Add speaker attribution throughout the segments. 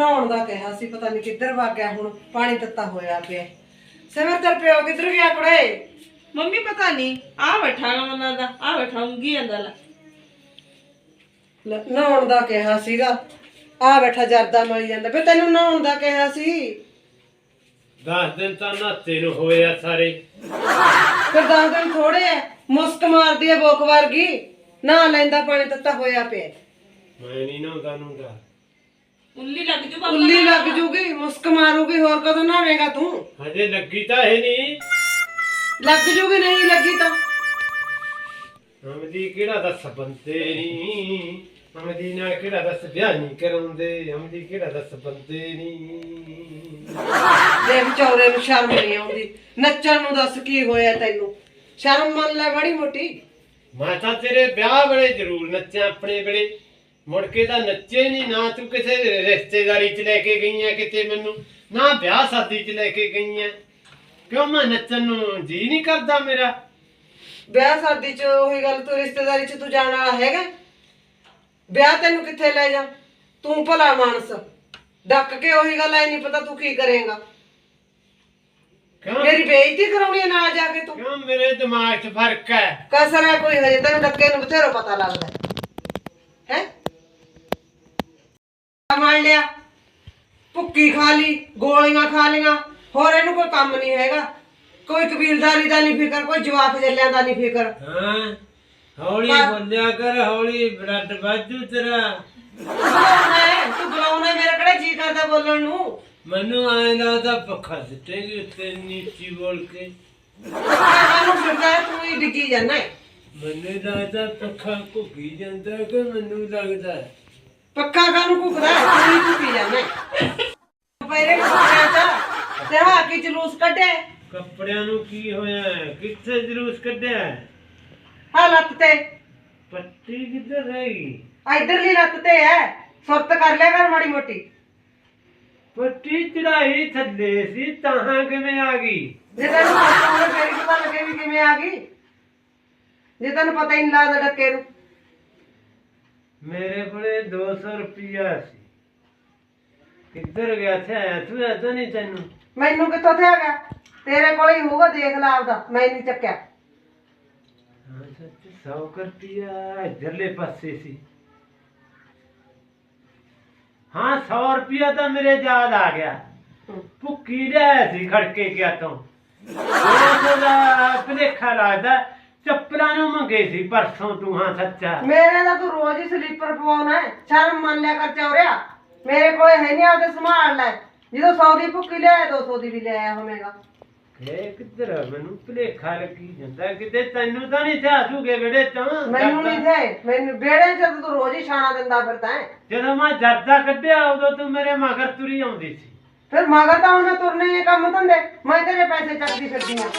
Speaker 1: ਨਹਾਉਣ ਦਾ ਕਿਹਾ ਸੀ, ਪਤਾ ਨਹੀਂ ਕਿੱਧਰ ਵਗ ਗਿਆ। ਹੁਣ ਪਾਣੀ ਤੱਤਾ ਹੋਇਆ ਪਿਆ। ਸਿਮਰ ਤੇਰੇ ਪਿਓ ਕਿੱਧਰ ਗਿਆ ਕੁੜੇ?
Speaker 2: ਮੰਮੀ ਪਤਾ ਨਹੀਂ ਆ ਬੈਠਾ ਗਾ ਮਨਾਂ ਦਾ, ਆ ਬੈਠਾ ਉਂਗੀ ਜਾਂਦਾ ਲੈ।
Speaker 1: ਨਹਾਉਣ ਦਾ ਕਿਹਾ ਸੀਗਾ, ਆ ਬੈਠਾ ਜਰਦਾ ਮਲੀ ਜਾਂਦਾ। ਫਿਰ ਤੈਨੂੰ ਨਹਾਉਣ ਦਾ ਕਿਹਾ ਸੀ।
Speaker 3: 10 ਦਿਨ ਤਾਂ ਨਹਾਤੇ ਨੂੰ ਹੋਏ ਆ ਸਾਰੇ।
Speaker 1: ਫਿਰ 10 ਦਿਨ ਥੋੜੇ ਐ। ਮੁਸਕ ਮਾਰਦੀ ਐ ਬੋਕ ਵਰਗੀ। ਨਹਾ ਲੈਂਦਾ, ਪਾਣੀ ਤੱਤਾ ਹੋਇਆ ਪਿਆ।
Speaker 3: ਮੈਂ ਨਹੀਂ ਨਹਾਉਂਦਾ ਨੂੰਗਾ।
Speaker 2: ਉੱਲੀ ਲੱਗ ਜੂ ਪਾਪਾ।
Speaker 1: ਉੱਲੀ ਲੱਗ ਜੂਗੀ, ਮੁਸਕ ਮਾਰੂਗੀ। ਹੋਰ ਕਦੋਂ ਨਹਾਵੇਂਗਾ ਤੂੰ?
Speaker 3: ਹਜੇ ਲੱਗੀ ਤਾਂ ਹੈ ਨਹੀਂ।
Speaker 1: ਲੱਗ ਜੂਗੀ, ਨਹੀਂ ਲੱਗੀ ਤਾਂ
Speaker 3: ਅਮਦੀ ਕਿਹੜਾ ਦੱਸ ਬੰਦੇ ਨਹੀਂ। ਅਮਦੀ ਨਾਲ ਕਿਹੜਾ ਦੱਸ ਵਿਆਹ ਨਹੀਂ ਕਰਾਉਂਦੇ। ਅਮਦੀ ਕਿਹੜਾ ਦੱਸ ਬੰਦੇ ਨਹੀਂ।
Speaker 1: ਦੇ ਵਿਚਾਰੇ ਨੂੰ ਸ਼ਰਮ ਨਹੀਂ ਆਉਂਦੀ। ਨੱਚਣ ਨੂੰ ਦੱਸ ਕੀ ਹੋਇਆ ਤੈਨੂੰ? ਸ਼ਰਮ ਮੰਨ ਲੈ ਬੜੀ ਮੋਟੀ।
Speaker 3: ਮੈਂ ਤਾਂ ਤੇਰੇ ਵਿਆਹ ਵੇਲੇ ਜ਼ਰੂਰ ਨੱਚਿਆ, ਆਪਣੇ ਵੇਲੇ। ਮੁੜ ਕੇ ਤਾਂ ਨੱਚੇ ਨਹੀਂ ਨਾ। ਤੂੰ ਕਿਸੇ ਰਿਸ਼ਤੇਦਾਰੀ 'ਚ ਲੈ ਕੇ ਗਈ ਐ ਕਿਤੇ ਮੈਨੂੰ, ਨਾ ਵਿਆਹ ਸ਼ਾਦੀ 'ਚ ਲੈ ਕੇ ਗਈ ਐ। ਕਿਉਂ ਮੈਂ ਨੱਚਣ ਨੂੰ ਜੀ ਨਹੀਂ ਕਰਦਾ ਮੇਰਾ।
Speaker 1: ਵਿਆਹ ਸ਼ਾਦੀ 'ਚ ਉਹੀ ਗੱਲ, ਤੂੰ ਰਿਸ਼ਤੇਦਾਰੀ 'ਚ ਤੂੰ ਜਾਣ ਵਾਲਾ ਹੈਗਾ? ਵਿਆਹ ਤੈਨੂੰ ਕਿੱਥੇ ਲੈ ਜਾ? ਤੂੰ ਭਲਾ ਮਾਨਸ ਡੱਕ ਕੇ ਉਹੀ ਗੱਲ ਐ, ਨਹੀਂ ਪਤਾ ਤੂੰ ਕੀ ਕਰੇਂਗਾ।
Speaker 3: ਕਿਉਂ
Speaker 1: ਮੇਰੀ ਬੇਇੱਜ਼ਤੀ ਕਰਾਉਣੀ ਹੈ ਨਾਲ ਜਾ ਕੇ ਤੂੰ?
Speaker 3: ਕਿਉਂ ਮੇਰੇ ਦਿਮਾਗ 'ਚ ਫਰਕ ਹੈ।
Speaker 1: ਕਸਰ ਹੈ ਕੋਈ? ਹਜੇ ਤੈਨੂੰ ਡੱਕੇ ਨੂੰ ਬਥੇਰਾ ਪਤਾ ਲੱਗਦਾ ਹੈ। ਮੰਨ ਲਿਆ, ਭੁੱਕੀ ਖਾ ਲਈ, ਗੋਲੀਆਂ ਖਾ ਲਈਆਂ, ਹੋਰ ਇਹਨੂੰ ਕੋਈ ਕੰਮ ਨਹੀਂ ਹੈਗਾ। ਕੋਈ ਕਬੀਲਦਾਰੀ ਦਾ ਨਹੀਂ ਫਿਕਰ, ਕੋਈ ਜਵਾਕ ਜੱਲਿਆਂ ਦਾ ਨਹੀਂ ਫਿਕਰ।
Speaker 3: ਹਾਂ ਹੌਲੀ ਬੋਲਿਆ ਕਰ, ਹੌਲੀ ਬਲੱਡ ਵਾਜੂ ਤੇਰਾ।
Speaker 1: ਤੂੰ ਬੁਲਾਉਣਾ, ਮੇਰਾ ਕਿਹੜਾ ਜੀ ਕਰਦਾ ਬੋਲਣ ਨੂੰ।
Speaker 3: ਮੈਨੂੰ ਐਂ ਲੱਗਦਾ ਪੱਖਾ ਸਿੱਟੇਗੀ ਉੱਤੇ ਨੀਚੀ ਬੋਲ ਕੇ।
Speaker 1: ਕਾਹਨੂੰ ਫਿਰਦਾ ਤੂੰ? ਹੀ ਡਿੱਗੀ ਜਾਂਦਾ।
Speaker 3: ਮੈਨੂੰ ਲੱਗਦਾ ਪੱਖਾ ਘੁੱਗੀ ਜਾਂਦਾ ਕਿ ਮੈਨੂੰ ਲੱਗਦਾ
Speaker 1: ਪੱਕਾ ਕਾਹਨੂੰ ਘੁੱਕਦਾ? ਤੂੰ ਹੀ ਘੁੱਕੀ ਜਾਂਦਾ। ਪਹਿਰੇ ਕੱਪੜਿਆਂ 'ਚ ਤੇ ਹਾਕੀ ਜਲੂਸ ਕੱਢੇ।
Speaker 3: ਕੱਪੜਿਆਂ ਨੂੰ ਕੀ ਹੋਇਆ? ਕਿੱਥੇ ਜਲੂਸ ਕੱਢਿਆ?
Speaker 1: ਆ ਲੱਤ ਤੇ
Speaker 3: ਪੱਟੀ ਕਿੱਧਰ ਰਹੀ?
Speaker 1: ਇਧਰਲੀ ਲੱਤ ਤੇ ਐ। ਸੁਰਤ ਕਰ ਲਿਆ ਕਰ ਮਾੜੀ ਮੋਟੀ।
Speaker 3: ਪੱਟੀ ਚੜਾਈ ਥੱਲੇ ਸੀ, ਤਾਂ ਕਿਵੇਂ ਆ ਗਈ?
Speaker 1: ਜੇ ਤੈਨੂੰ ਪਤਾ ਹੋਵੇ ਫੇਰ ਹੀ ਪਤਾ ਲੱਗੇ ਵੀ ਕਿਵੇਂ ਆ ਗਈ। ਜੇ ਤੈਨੂੰ ਪਤਾ ਹੀ ਨਹੀਂ ਲੱਗਦਾ ਡੱਕੇ ਨੂੰ।
Speaker 3: ਮੇਰੇ ਕੋਲੇ 200 ਰੁਪਇਆ ਸੀ। ਕਿੱਧਰ ਗਿਆ ਸੀ? ਆਇਆ ਤੂੰ ਐਦਾਂ ਨਹੀਂ ਤੈਨੂੰ?
Speaker 1: ਮੈਨੂੰ ਕਿੱਥੋਂ ਤੇ ਆ ਗਿਆ? ਤੇਰੇ ਕੋਲ ਹੀ ਹੋਊਗਾ, ਦੇਖ ਲਾ ਆਪਦਾ। ਮੈਂ ਨਹੀਂ ਚੱਕਿਆ।
Speaker 3: ਹਾਂ ਸੱਚ, 100 ਰੁਪਇਆ ਇੱਧਰਲੇ ਪਾਸੇ ਸੀ। ਹਾਂ 100 ਰੁਪਇਆ ਤਾਂ ਮੇਰੇ ਯਾਦ ਆ ਗਿਆ। ਭੁੱਕੀ ਲਿਆਇਆ ਸੀ ਖੜਕੇ ਗਿਆ ਤੋਂ। 200 ਦਾ ਭੁਲੇਖਾ ਲੱਗਦਾ। ਚੱਪਲਾਂ ਨੂੰ ਮੰਗੇ ਸੀ ਪਰਸੋਂ ਤੂੰ। ਹਾਂ ਸੱਚਾ,
Speaker 1: ਮੇਰੇ ਦਾ ਤੂੰ ਰੋਜ਼ ਹੀ ਸਲੀਪਰ ਪਵਾਉਣਾ ਹੈ। ਸ਼ਰਮ ਮੰਨ ਲਿਆ ਕਰ ਚੌਰਿਆ। ਮੇਰੇ ਕੋਲੇ ਹੈ ਨਹੀਂ, ਆਪਦੇ ਸੰਭਾਲ ਲੈ। ਜਦੋਂ 100 ਦੀ ਭੁੱਕੀ ਲਿਆਇਆ 200 ਦੀ ਵੀ ਲਿਆਇਆ ਹੋਵੇਗਾ।
Speaker 3: ਇਹ ਕਿੱਧਰ ਮੈਨੂੰ ਭੁਲੇਖਾ ਲੱਗੀ ਜਾਂਦਾ। ਕਿਤੇ ਤੈਨੂੰ ਤਾਂ ਨਹੀਂ ਥਿਆ ਜੂਗੇ ਵਿਹੜੇ ਤੋਂ?
Speaker 1: ਮੈਨੂੰ ਨਹੀਂ ਥੇ। ਮੈਨੂੰ ਵਿਹੜੇ 'ਚ ਤੂੰ ਰੋਜ਼ ਹੀ ਛਾਣਾ ਦਿੰਦਾ ਫਿਰਦਾ ਹੈ।
Speaker 3: ਜਦੋਂ ਮੈਂ ਜਰਦਾ ਕੱਢਿਆ ਉਦੋਂ ਤੂੰ ਮੇਰੇ ਮਗਰ ਤੁਰੀ ਆਉਂਦੀ ਸੀ।
Speaker 1: ਫਿਰ ਮਗਰ ਤਾਂ ਹੁਣ ਮੈਂ ਤੁਰਨੇ ਹੀ ਕੰਮ ਧੰਦੇ। ਮੈਂ ਤੇਰੇ ਪੈਸੇ ਚੱਕਦੀ ਫਿਰਦੀ ਆ।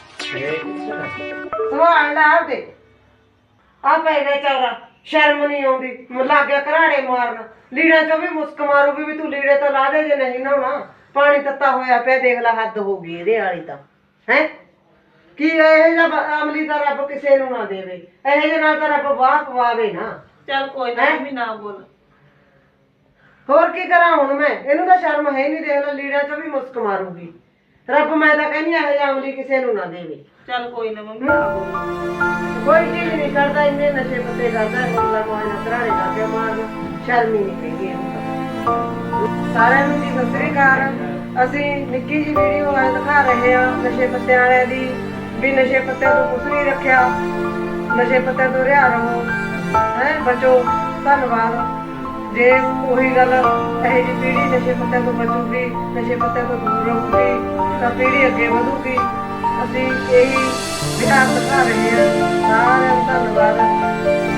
Speaker 1: ਸੰਭਾਲ ਲੈ ਆਪਦੇ। ਆ ਪੈ ਗਿਆ ਚੌਰਾ। ਸ਼ਰਮ ਨਹੀਂ ਆਉਂਦੀ। ਲੱਗ ਗਿਆ ਘਰਾੜੇ ਮਾਰਨ। ਲੀੜਾਂ 'ਚੋਂ ਵੀ ਮੁਸਕ ਮਾਰੂਗੀ ਵੀ ਤੂੰ ਲੀੜੇ ਤਾਂ ਲਾ ਦੇ ਜੇ ਨਹੀਂ ਨਹਾਉਣਾ। ਪਾਣੀ ਤੱਤਾ ਹੋਇਆ ਪਿਆ, ਦੇਖ ਲੈ ਹੱਦ ਹੋ ਗਈ ਇਹਦੇ ਵਾਲੀ ਤਾਂ। ਹੈ ਕੀ ਇਹ ਜਿਹਾ ਅਮਲੀ ਦਾ ਰੱਬ ਕਿਸੇ ਨੂੰ ਨਾ ਦੇਵੇ। ਇਹੋ ਜਿਹੇ ਨਾਲ ਤਾਂ ਰੱਬ ਵਾਹ ਪਵਾਵੇ ਨਾ।
Speaker 2: ਚੱਲ ਕੋਈ ਨਾ ਮੰਮੀ, ਨਾ ਬੋਲ।
Speaker 1: ਹੋਰ ਕੀ ਕਰਾਂ ਹੁਣ ਮੈਂ? ਇਹਨੂੰ ਤਾਂ ਸ਼ਰਮ ਹੈ ਨਹੀਂ। ਦੇਖ ਲੈ ਲੀੜਾਂ 'ਚੋਂ ਵੀ ਮੁਸਕ ਮਾਰੂਗੀ। ਰੱਬ ਮੈਂ ਤਾਂ ਕਹਿੰਦੀ ਇਹੋ ਜਿਹਾ ਅਮਲੀ ਕਿਸੇ ਨੂੰ ਨਾ ਦੇਵੇ।
Speaker 2: ਚੱਲ ਕੋਈ ਨਾ ਮੰਮੀ, ਨਾ ਬੋਲ।
Speaker 1: ਕੋਈ ਚੀਜ਼ ਨਹੀਂ ਕਰਦਾ, ਇੰਨੇ ਨਸ਼ੇ ਪੱਤੇ ਕਰਦਾ। ਮੁੱਲਾ ਮੋਹਨ ਘਰਾੜੇ ਕਰਕੇ ਮਾਰਨਾ ਸ਼ਰਮ ਹੀ ਨਹੀਂ ਪੈਂਦੀ ਇਹਨੂੰ ਤਾਂ। ਸਾਰਿਆਂ ਨੂੰ ਜੀ ਸਤਿ ਸ੍ਰੀ ਅਕਾਲ। ਅਸੀਂ ਨਿੱਕੀ ਜਿਹੀ ਵੀਡੀਓ ਅੱਜ ਦਿਖਾ ਰਹੇ ਹਾਂ ਨਸ਼ੇ ਪੱਤਿਆਂ ਵਾਲਿਆਂ ਦੀ, ਵੀ ਨਸ਼ੇ ਪੱਤਿਆਂ ਤੋਂ ਕੁਛ ਨਹੀਂ ਰੱਖਿਆ। ਨਸ਼ੇ ਪੱਤਿਆਂ ਤੋਂ ਰਿਹਾ ਰਹੋ, ਹੈ ਬਚੋ। ਧੰਨਵਾਦ। ਜੇ ਉਹੀ ਗੱਲ ਇਹੋ ਜਿਹੀ ਪੀੜ੍ਹੀ ਨਸ਼ੇ ਪੱਤਿਆਂ ਤੋਂ ਬਚੂਗੀ, ਨਸ਼ੇ ਪੱਤਿਆਂ ਤੋਂ ਦੂਰ ਰਹੂਗੀ ਤਾਂ ਪੀੜ੍ਹੀ ਅੱਗੇ ਵਧੂਗੀ। ਅਸੀਂ ਇਹੀ ਵਿਚਾਰ ਦਿਖਾ ਰਹੇ ਹਾਂ। ਸਾਰਿਆਂ ਨੂੰ ਧੰਨਵਾਦ।